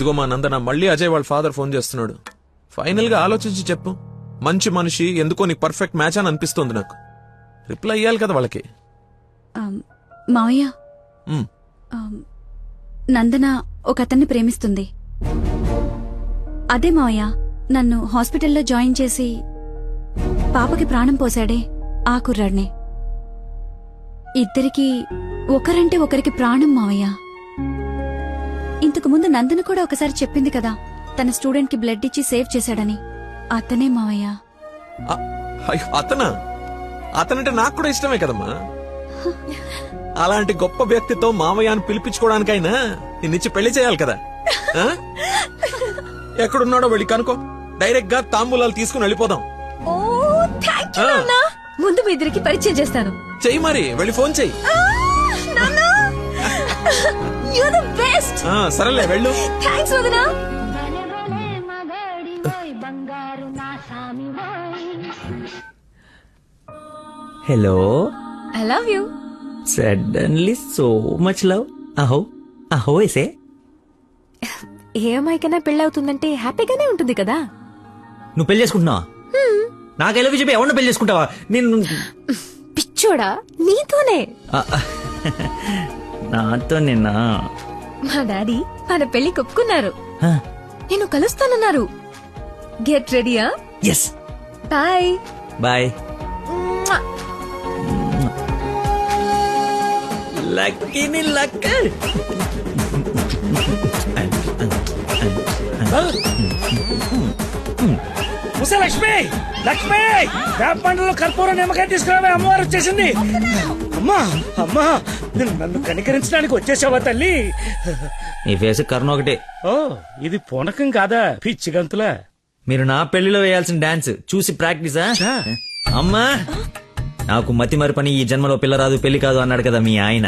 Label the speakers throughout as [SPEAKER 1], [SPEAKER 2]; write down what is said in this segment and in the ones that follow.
[SPEAKER 1] ఇదిగో మా నందన, మళ్ళీ అజయ్ వాళ్ళ ఫాదర్ ఫోన్ చేస్తున్నాడు. ఫైనల్ గా ఆలోచించి చెప్పు. మంచి మనిషి, ఎందుకో నీకు పర్ఫెక్ట్ మ్యాచ్ అని అనిపిస్తుంది నాకు. రిప్లై ఇయ్యాలి కదా వాళ్ళకి.
[SPEAKER 2] మావయ్య, నందన ఒక అతన్ని ప్రేమిస్తుంది. అదే మావయ్య, నన్ను హాస్పిటల్లో జాయిన్ చేసి పాపకి ప్రాణం పోశాడే ఆ కుర్రాడిని. ఇద్దరికి ఒకరంటే ఒకరికి ప్రాణం మావయ్య. ఇంతకు ముందు నందన కూడా ఒకసారి చెప్పింది కదా, తన స్టూడెంట్ కి బ్లడ్ ఇచ్చి సేవ్ చేశాడని. అతనే మావయ్య.
[SPEAKER 1] అతనా? అతనంటే నాకు కూడా ఇష్టమే కదమ్మా. అలాంటి గొప్ప వ్యక్తితో మామయ్య అని పిలిపించుకోవడానికైనా నిన్నిచ్చి పెళ్లి చేయాలి కదా. ఎక్కడున్నాడో వెళ్ళి కనుకో, డైరెక్ట్ గా తాంబూలాలు తీసుకుని వెళ్ళిపోదాం.
[SPEAKER 2] ముందు మీ ఇద్దరికి పరిచయం చేస్తాను.
[SPEAKER 1] చెయ్యి మరి, వెళ్ళి ఫోన్ చెయ్యి. సరేలే వెళ్ళు.
[SPEAKER 3] Hello,
[SPEAKER 2] I love you.
[SPEAKER 3] Suddenly so much love. అహో అహో ఎసే.
[SPEAKER 2] ఏ అమ్మాయికైనా పెళ్ళవుతుందంటే హ్యాపీగానే ఉంటుంది కదా.
[SPEAKER 3] నువ్వు పెళ్లి చేసుకుంటున్నావా? నాకు ఎలా చెప్పి ఎవరిని పెళ్లి చేసుకుంటావా? నేను
[SPEAKER 2] పిచ్చోడా, నీతోనే.
[SPEAKER 3] నాతో నిన్నా
[SPEAKER 2] మా డాడీ మన పెళ్లి ఒప్పుకున్నారు. నేను కలుస్తానన్నారు. గెట్ రెడీయా?
[SPEAKER 3] ఎస్.
[SPEAKER 2] Bye
[SPEAKER 3] bye. లక్కీని లక్క.
[SPEAKER 4] లక్ష్మి, లక్ష్మి, వేప పండ్లలో కర్పూరం నిమ్మకాయ తీసుకురావే, అమ్మవారు వచ్చేసింది. అమ్మా అమ్మా, నన్ను కనికరించడానికి వచ్చేసావా తల్లి?
[SPEAKER 3] నీ ఫేస్ కరుణ ఒకటే.
[SPEAKER 4] ఓ, ఇది పూనకం కాదా, పిచ్చి గంతులా?
[SPEAKER 3] మీరు నా పెళ్లిలో వేయాల్సిన డాన్స్ చూసి ప్రాక్టీసా? అమ్మా, నాకు మతి మరి పని, ఈ జన్మలో పిల్ల రాదు పెళ్లి కాదు అన్నాడు కదా మీ ఆయన.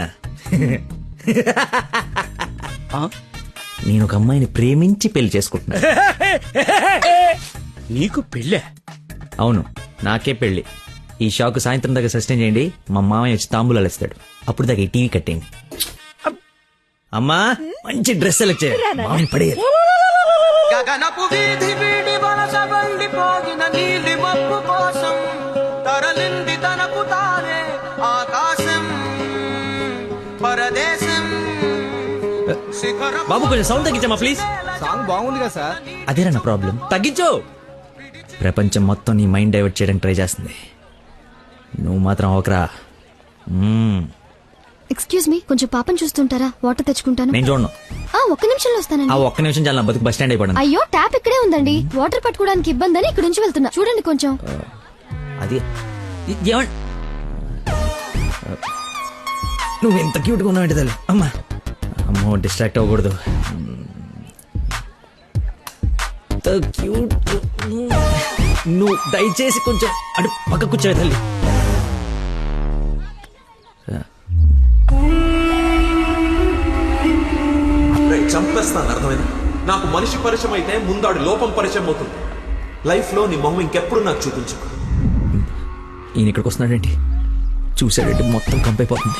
[SPEAKER 3] నేను ఒక అమ్మాయిని ప్రేమించి పెళ్లి చేసుకుంటున్నా.
[SPEAKER 4] నీకు పెళ్ళే?
[SPEAKER 3] అవును, నాకే పెళ్లి. ఈ షాక్ సాయంత్రం దాకా సస్టైన్ చేయండి. మా మామయ్య వచ్చి తాంబూలాలు ఇస్తాడు. అప్పుడు దాకా ఈ టీవీ కట్టేయండి. అమ్మా, మంచి డ్రెస్ సెలెక్ట్ చేయాలి. మామయ్య పడేయాలి.
[SPEAKER 5] గగనపు వీధి వీడి వలస వండిపోగిన నీలి మబ్బు కోసం తరలింది తనకు తానే ఆకాశం పరదేశం.
[SPEAKER 3] బాబు కొంచెం సౌండ్ తగ్గించమ్మా ప్లీజ్.
[SPEAKER 5] సాంగ్ బాగుంది కదా సార్.
[SPEAKER 3] అదేరా నా ప్రాబ్లం. తగ్గించు. ప్రపంచం మొత్తం నీ మైండ్ డైవర్ట్ చేయడానికి ట్రై చేస్తుంది. నువ్వు మాత్రం ఒకరా.
[SPEAKER 6] ఎక్స్క్యూజ్ మీ, కొంచెం పాపం చూస్తుంటారా? వాటర్ తెచ్చుకుంటాను.
[SPEAKER 3] నేను చూడను.
[SPEAKER 6] ఒక్క నిమిషంలో వస్తానండి.
[SPEAKER 3] ఆ ఒక్క నిమిషం చాలా, నా బతుకు బస్ స్టాండ్ అయిపోయింది.
[SPEAKER 6] అయ్యో, ట్యాప్ ఇక్కడే ఉందండి. వాటర్ పట్టుకోవడానికి ఇబ్బంది అని ఇక్కడ నుంచి వెళ్తున్నా. చూడండి కొంచెం.
[SPEAKER 3] అది నువ్వు ఎంత క్యూట్ గా ఉన్నావు తల్లి. అమ్మా, అమ్మో, డిస్ట్రాక్ట్ అవ్వకూడదు. క్యూట్. నువ్వు దయచేసి కొంచెం అటు పక్క కూర్చోవే తల్లి.
[SPEAKER 1] చంపేస్తాను, అర్థమైంది? నాకు మనిషి పరిచయం అయితే ముందాడు లోపం పరిచయం అవుతుంది. లైఫ్ లో నీ మొహం ఇంకెప్పుడు నాకు చూపించు.
[SPEAKER 3] ఈయన ఇక్కడికి వస్తున్నాడేంటి? చూసాడంటే మొత్తం కంపైపోతుంది.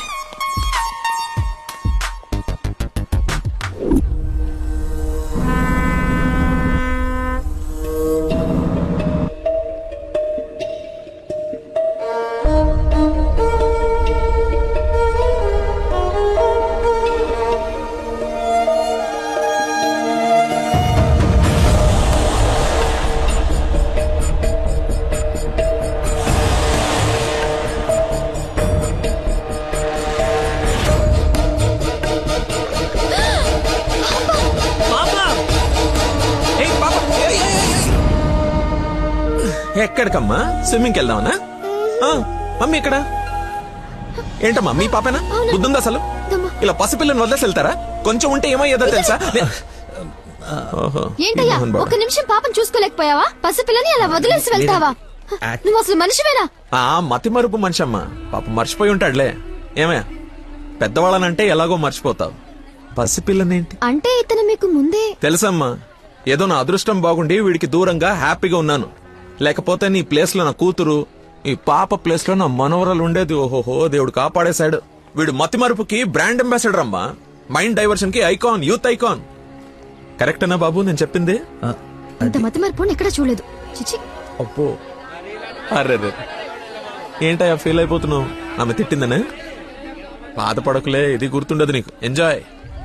[SPEAKER 1] ఎక్కడికమ్మా? స్విమ్మింగ్కి వెళ్దామనా? మమ్మీ ఇక్కడ ఏంటమ్మా? మీ పాపేనా? బుద్ధుందా అసలు? ఇలా పసిపిల్లని వదిలేసి వెళ్తారా? కొంచెం ఉంటే ఏమయ్యేదో తెలుసా?
[SPEAKER 6] ఏంటయ్యా, ఒక్క నిమిషం పాపం చూసుకోలేకపోయావా? పసిపిల్లని అలా వదిలేసి వెళ్తావా? నువ్వు అసలు మనిషివేనా?
[SPEAKER 1] మతి మరుపు మనిషి అమ్మా. పాప మర్చిపోయి ఉంటాడులే. ఏమయ్యా, పెద్దవాళ్ళనంటే ఎలాగో మర్చిపోతావు. పసిపిల్లనేంటి
[SPEAKER 6] అంటే ఇతను మీకు ముందే
[SPEAKER 1] తెలుసమ్మా. ఏదో నా అదృష్టం బాగుండి వీడికి దూరంగా హ్యాపీగా ఉన్నాను. లేకపోతే నీ ప్లేస్ లో నా కూతురు, ఈ పాప ప్లేస్ లో నా మనవరాలు ఉండేది. ఓహోహో, దేవుడు కాపాడేశాడు. వీడు మతి మరుపుకి బ్రాండ్ అంబాసిడర్ అమ్మా. మైండ్ డైవర్షన్ కి ఐకాన్, యూత్ ఐకాన్. కరెక్టేనా బాబు నేను చెప్పింది?
[SPEAKER 3] ఆ,
[SPEAKER 6] ఇంత మతి మరపు ఎక్కడ చూడలేదు చిచి.
[SPEAKER 1] అబ్బో అర్రే ఏంటయ్యా ఫీల్ అయిపోతున్నావు? ఆమె తిట్టిందనే? బాధపడకులే, ఇది గుర్తుండదు నీకు. ఎంజాయ్.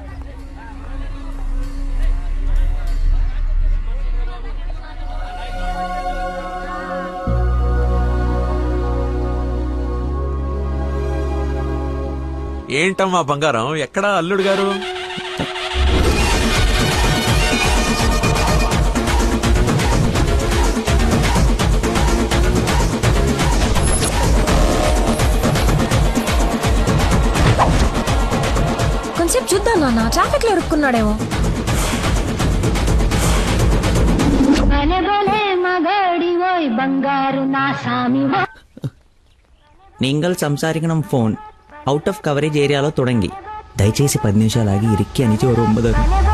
[SPEAKER 1] ఏంటమ్మా బంగారం, ఎక్కడా అల్లుడు గారు?
[SPEAKER 7] కొంచెం చూద్దాం నాన్న, ట్రాఫిక్ లో ఇరుక్కున్నాడేమో.
[SPEAKER 3] നിങ്ങൾ സംസാരിക്കണം ഫോൺ ഔട്ട് ഓഫ് കവറേജ് ഏരിയలో തുടങ്ങി దయచేసి 10 నిమిషాలు ఆగి ఇరిక్కి అని చూడు 9.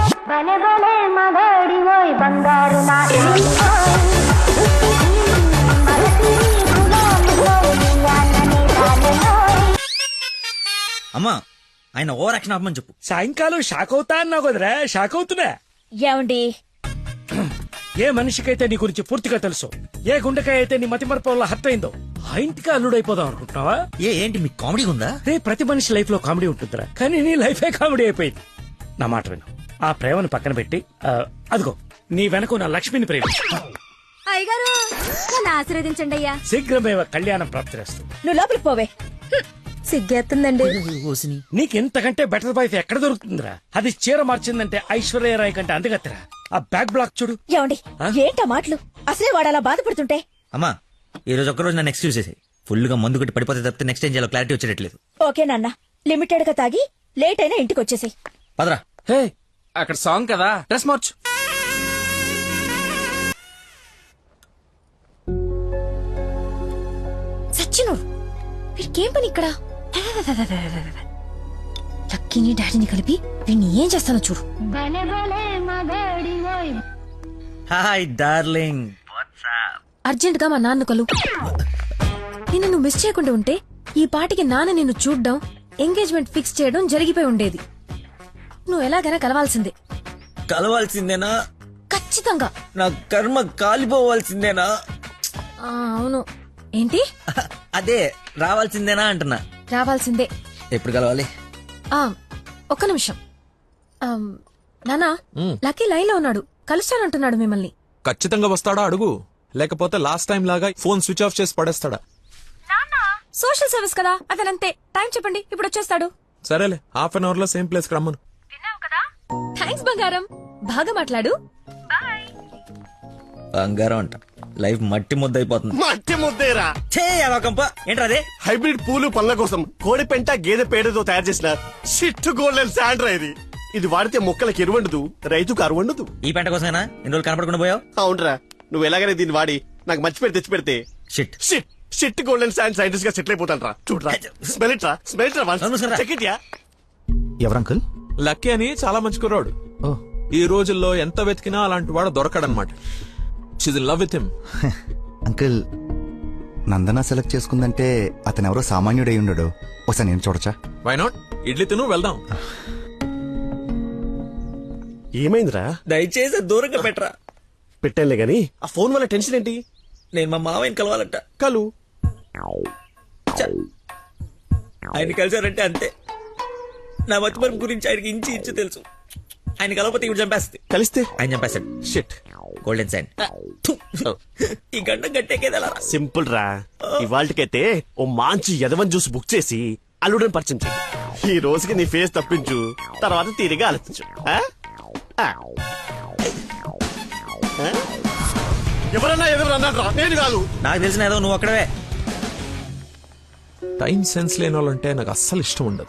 [SPEAKER 3] అమ్మా ఆయన ఓవర్ యాక్షన్ ఆపమని చెప్పు.
[SPEAKER 4] సాయంకాలం షాక్ అవుతా అన్నావు కదరా, షాక్ అవుతున్నా.
[SPEAKER 7] ఏమండి
[SPEAKER 4] ఏ మనిషికైతే నీ గురించి పూర్తిగా తెలుసు, ఏ గుండెకాయ అయితే నీ మతి మరపు వల్ల హర్ట్ అయిందో, ఆ ఇంటికి అల్లుడైపోదాం అనుకుంటున్నావా?
[SPEAKER 3] ఏంటి మీకు కామెడీ ఉందా?
[SPEAKER 4] రే, ప్రతి మనిషి లైఫ్ లో కామెడీ ఉంటుందిరా, కానీ నీ లైఫే కామెడీ అయిపోయింది. నా మాట విను, ఆ ప్రేమను పక్కన పెట్టి అదిగో నీ వెనక నా లక్ష్మిని ప్రేమ.
[SPEAKER 2] అయ్యగారు నన్ను ఆశీర్వదించండి అయ్యా.
[SPEAKER 4] శీఘ్రమేవ కళ్యాణం ప్రాప్తిరేస్తూ.
[SPEAKER 7] నువ్వు లోపలికి పోవే. సిగ్గేస్తుందండి.
[SPEAKER 4] నీకెంతకంటే బెటర్ వైఫ్ ఎక్కడ దొరుకుతుందిరా? అది చీర మార్చిందంటే ఐశ్వర్యరాయ్ కంటే అందుగత్తరా. ఆ బ్యాక్ బ్లాక్ చూడు.
[SPEAKER 7] ఏమండి ఏంటా మాటలు? అసలే వాడు అలా బాధపడుతుంటే.
[SPEAKER 3] అమ్మా ఈ రోజు ఒక్కరోజు నన్ను ఎక్స్క్యూజ్ చేసి ఫుల్ గా మందు కొట్టి పడిపోతే తప్పితే నెక్స్ట్ ఏం చేయాలో క్లారిటీ వచ్చేటట్లేదు.
[SPEAKER 7] ఓకే నాన్న, లిమిటెడ్ గా తాగి లేట్ అయినా ఇంటికి వచ్చేసాయి.
[SPEAKER 3] పదరా.
[SPEAKER 5] హే అక్కడ సాంగ్ కదా, డ్రెస్ మార్చు.
[SPEAKER 7] సచ్చినోడు వీడికేం పని ఇక్కడ? లక్కీని డాడీని కలిపి వీడిని ఏం చేస్తానో చూడు.
[SPEAKER 3] Hi darling.
[SPEAKER 7] అర్జెంట్ గా మా నాన్న కలు. నిన్ను నువ్వు మిస్ చేయకుండా ఉంటే ఈ పాటికి నాన్న నిన్ను చూడ్డం, ఎంగేజ్మెంట్ ఫిక్స్ చేయడం జరిగిపోయి ఉండేది. నువ్వు ఎలాగైనా కలవాల్సిందే.
[SPEAKER 3] కలవాల్సిందేనా?
[SPEAKER 7] ఖచ్చితంగా.
[SPEAKER 3] నా కర్మ కాలిపోవాల్సిందేనా?
[SPEAKER 7] అవును. ఏంటి?
[SPEAKER 3] అదే రావాల్సిందేనా అంటున్నా.
[SPEAKER 7] రావాల్సిందే.
[SPEAKER 3] ఎప్పుడు కలవాలి?
[SPEAKER 7] ఒక్క నిమిషం. నానా, లక్కీ లైన్ లో ఉన్నాడు, కలుస్తానంటున్నాడు మిమ్మల్ని.
[SPEAKER 1] ఖచ్చితంగా వస్తాడా అడుగు, లేకపోతే లాస్ట్ టైం లాగా ఫోన్ స్విచ్ ఆఫ్ చేసి పడేస్తాడా?
[SPEAKER 7] సోషల్ సర్వీస్ కదా, అతనంతే. టైం చెప్పండి, ఇప్పుడు వచ్చేస్తాడు.
[SPEAKER 1] సరేలే, హాఫ్ అన్ అవర్ లో సేమ్ ప్లేస్ కి రమ్మను.
[SPEAKER 7] థ్యాంక్స్ బంగారం, బాగా మాట్లాడు.
[SPEAKER 3] బంగారం అంట, లైఫ్ మట్టి ముద్ద అయిపోతుంది.
[SPEAKER 8] మట్టి ముద్దేరా
[SPEAKER 3] ఏంట్రా అదే?
[SPEAKER 8] హైబ్రిడ్ పూలు పళ్ళ కోసం కోడి పెంట గేదె పేడతో తయారు చేసిన షిట్ గోల్డెన్ శాండ్రా ఇది. ఇది వాడితే మొక్కలకు ఎరువండదు, రైతుకు అరువండదు.
[SPEAKER 3] ఈ పంట కోసమేనా ఇన్ని రోజులు కనపడకుండా పోయావు?
[SPEAKER 8] అవునరా, నువ్వు ఎలాగైనా దీన్ని వాడి నాకు మంచి పేరు తెచ్చి పెడితే
[SPEAKER 3] shit
[SPEAKER 8] shit shit golden sand scientist గా సెటిల్ అయిపోతాను రా. చూడరా, స్మెల్ ఇట్ రా, స్మెల్ ఇట్ రా,
[SPEAKER 3] నమస్కారం.
[SPEAKER 8] Check it yeah.
[SPEAKER 5] ఎవరు అంకుల్?
[SPEAKER 1] లక్కీ అని చాలా మంచి కుర్రాడు. ఈ రోజుల్లో ఎంత వెతికినా అలాంటి వాడు దొరకడనమాట. She's in love with him.
[SPEAKER 5] Uncle, Nandana select చేసుకుందంటే అతను ఎవరో సామాన్యుడై ఉండడు. ఒకసారి నేను చూడచ్చా?
[SPEAKER 1] Why not? ఇడ్లీ తిను, వెళ్దాం.
[SPEAKER 8] ఏమైందిరా?
[SPEAKER 3] దయచేసి దూరంగా పెట్టరా.
[SPEAKER 8] పెట్టానులే గాని ఆ ఫోన్ వల్ల టెన్షన్ ఏంటి?
[SPEAKER 3] నేను మా మామయ్యని కలవాలంట.
[SPEAKER 8] కలు
[SPEAKER 3] ఆయన కలిసారంటే అంతే. నా మతిమరుపు గురించి ఆయనకి ఇంచి ఇంచు తెలుసు. ఆయన కలవకపోతే ఇవి చంపేస్తుంది.
[SPEAKER 8] కలిస్తే
[SPEAKER 3] ఆయన చంపేస్తాడు.
[SPEAKER 8] షిట్.
[SPEAKER 3] Golden sign. ఈ గంట గట్టేకేదా?
[SPEAKER 8] సింపుల్ రా. ఇవాళకైతే ఓ మంచి యదవన్ జ్యూస్ బుక్ చేసి అల్లుడని పరిచయం చెయ్యి. ఈ రోజుకి నీ ఫేస్ తప్పించు, తర్వాత తీరిగా ఆలోచించు. ఎవరన్నా ఎదురన్నారా? నేను కాదు.
[SPEAKER 3] నాకు తెలిసిన ఏదో నువ్వు అక్కడవే.
[SPEAKER 1] టైం సెన్స్ లేని వాళ్ళంటే నాకు అస్సలు ఇష్టం ఉండదు.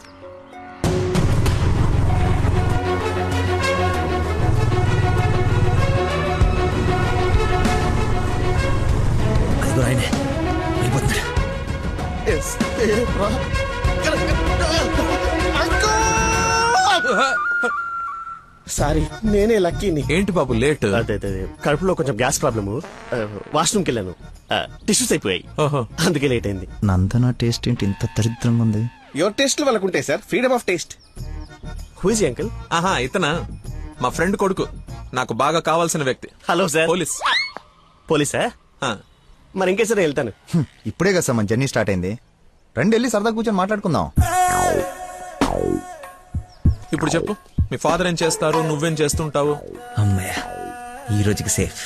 [SPEAKER 3] ఆయనే వెళ్ళిపోతున్నాడు.
[SPEAKER 8] సారీ, నేనే లక్కీని.
[SPEAKER 1] ఏంటి బాబు లేట్?
[SPEAKER 8] అదే కడుపులో కొంచెం గ్యాస్ ప్రాబ్లము, వాష్రూమ్కి వెళ్ళాను, టిష్యూస్ అయిపోయాయి,
[SPEAKER 1] ఓహో.
[SPEAKER 8] అందుకే లేట్ అయింది.
[SPEAKER 5] నందన టేస్ట్ ఏంటి ఇంత దరిద్రంగా ఉంది?
[SPEAKER 8] యువర్ టేస్ట్ వాళ్ళకుంటాయి sir, freedom of taste. Who is uncle?
[SPEAKER 1] ఆహా, ఇతనా మా ఫ్రెండ్ కొడుకు. నాకు బాగా కావాల్సిన వ్యక్తి.
[SPEAKER 8] Hello sir.
[SPEAKER 1] పోలీస్.
[SPEAKER 8] పోలీసా?
[SPEAKER 1] ఆ,
[SPEAKER 8] మరి ఇంకేసారి వెళ్తాను.
[SPEAKER 5] ఇప్పుడే కదా సార్ మన జర్నీ స్టార్ట్ అయింది. రండి వెళ్ళి సరదా కూర్చొని మాట్లాడుకుందాం.
[SPEAKER 1] ఇప్పుడు చెప్పు, మీ ఫాదర్ ఏం చేస్తారు, నువ్వేం చేస్తుంటావు?
[SPEAKER 3] అమ్మయ్య, ఈ రోజుకి సేఫ్.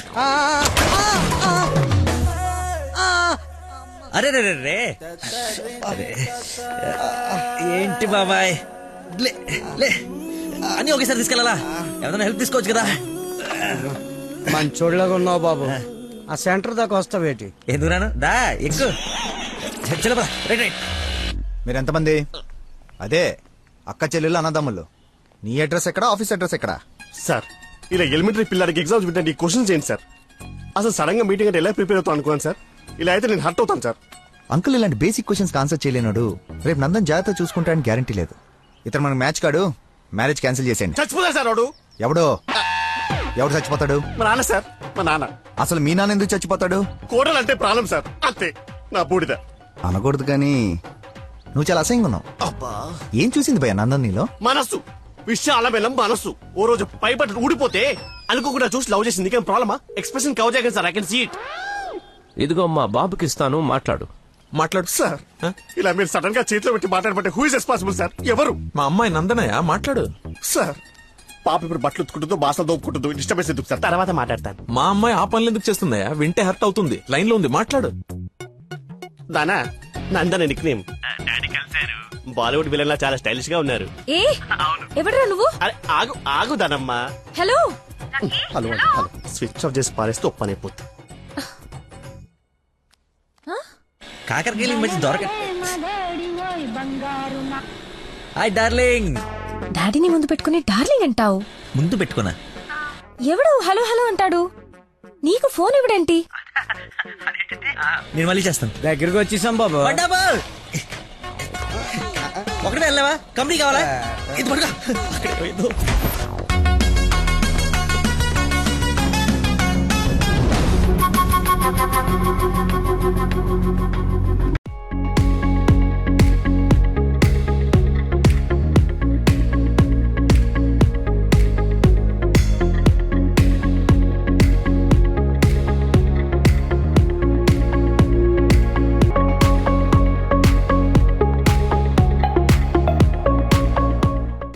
[SPEAKER 3] అరే రే రే రే. అరే, ఏంటి బాబాయ్, లే లే అని ఒకేసారి తీసుకెళ్ళాలా? ఎవరైనా హెల్ప్ తీసుకోవచ్చు కదా.
[SPEAKER 4] మంచోళ్ళగా ఉన్నావు బాబు. ఆ సెంటర్ దాకా వస్తావేటి?
[SPEAKER 3] ఎందుకు రాను, దా ఎక్కు. చలపరా, రైట్ రైట్.
[SPEAKER 5] మీరు ఎంతమంది? అదే అక్క చెల్లెళ్ళు అన్నదమ్ములు. నీ అడ్రస్ ఎక్కడ, ఆఫీస్ అడ్రస్ ఎక్కడ?
[SPEAKER 8] సార్, ఇలా ఎలిమెంటరీ పిల్లలకి ఎగ్జామ్స్ పెట్టండి, క్వశ్చన్స్ ఏంటి సార్? అసలు సడన్ గా మీటింగ్ అంటే ఎలా ప్రిపేర్ అవుతాను అనుకోండి సార్. ఇలా అయితే నేను హర్ట్ అవుతాను సార్.
[SPEAKER 5] అంకుల్ ఇలాంటి బేసిక్ క్వశ్చన్స్ ఆన్సర్ చేయలేనాడు. రేపు నందన్ జాగ్రత్త చూసుకుంటాడని గ్యారంటీ లేదు. ఇతను మనకు మ్యాచ్ కాడు. మ్యారేజ్ క్యాన్సిల్ చేసేయండి.
[SPEAKER 8] చచ్చిపోతారు సార్ వాడు.
[SPEAKER 5] ఎవడో? ఎవడు చచ్చిపోతాడు?
[SPEAKER 8] మా నాన్న సార్, మా నాన్న.
[SPEAKER 5] అసలు మీ నాన్న ఎందుకు చచ్చిపోతాడు?
[SPEAKER 8] కోడలు అంటే ప్రాణం సార్, అంతే. నా బూడిద.
[SPEAKER 5] అనకూడదు కానీ నువ్వు చాలా అసహ్యంగా ఉన్నావు.
[SPEAKER 8] అబ్బా,
[SPEAKER 5] ఏం చూసింది భయ నందన్ నీలో?
[SPEAKER 8] మనస్సు విశాల బెల్లం మనస్సు. ఓ రోజు పైపట్టు ఊడిపోతే అనుకోకుండా చూసి లవ్ చేసింది. కానీ ప్రాబ్లమా? ఎక్స్ప్రెషన్ కవర్ చేయగలను sir. I can see it.
[SPEAKER 9] ఇదిగో మా బాబుకి ఇస్తాను, మాట్లాడు.
[SPEAKER 1] మాట్లాడు
[SPEAKER 8] సార్, ఇలా మీరు సడన్ గా చేతిలో పెట్టి మాట్లాడబట్టే హూ ఇస్ రెస్పాన్సిబుల్ సార్? ఎవరు?
[SPEAKER 1] మా అమ్మాయి నందనయ్య, మాట్లాడు.
[SPEAKER 8] సార్, పాప ఇప్పుడు బట్టలు ఉత్తుకుంటుందో బాసలు దోపుకుంటుందో డిస్టర్బెన్స్ ఎందుకు సార్? తర్వాత మాట్లాడతాను.
[SPEAKER 1] మా అమ్మాయి ఆ పనులు ఎందుకు చేస్తుందయ్యా? వింటే హర్ట్ అవుతుంది. లైన్ లో ఉంది, మాట్లాడు.
[SPEAKER 8] దానా Nandana nickname. Bollywood villain లా చాలా స్టైలిష్ గా ఉన్నారు.
[SPEAKER 7] ఏ ఎవడరా నువ్వు?
[SPEAKER 8] అరే ఆగు ఆగు దానమ్మా.
[SPEAKER 7] Hello
[SPEAKER 8] hello hello. Switch off చేసి పారేస్తే ఒప్పనైపోతుంది.
[SPEAKER 3] కాకరకాయలు మంచి దొరక. Hi darling.
[SPEAKER 7] డాడీని ముందు పెట్టుకుని డార్లింగ్ అంటావు?
[SPEAKER 3] ముందు పెట్టుకున్నా.
[SPEAKER 7] ఎవడు హలో హలో అంటాడు? నీకు ఫోన్ ఇవ్వడేంటి?
[SPEAKER 3] నేను మళ్ళీ చేస్తాను.
[SPEAKER 4] దగ్గరికి వచ్చేసాం బాబు.
[SPEAKER 3] ఒకటే వెళ్ళావా? కంపెనీ కావాలా? ఇది పడుకో. అక్కడే పోయిందో.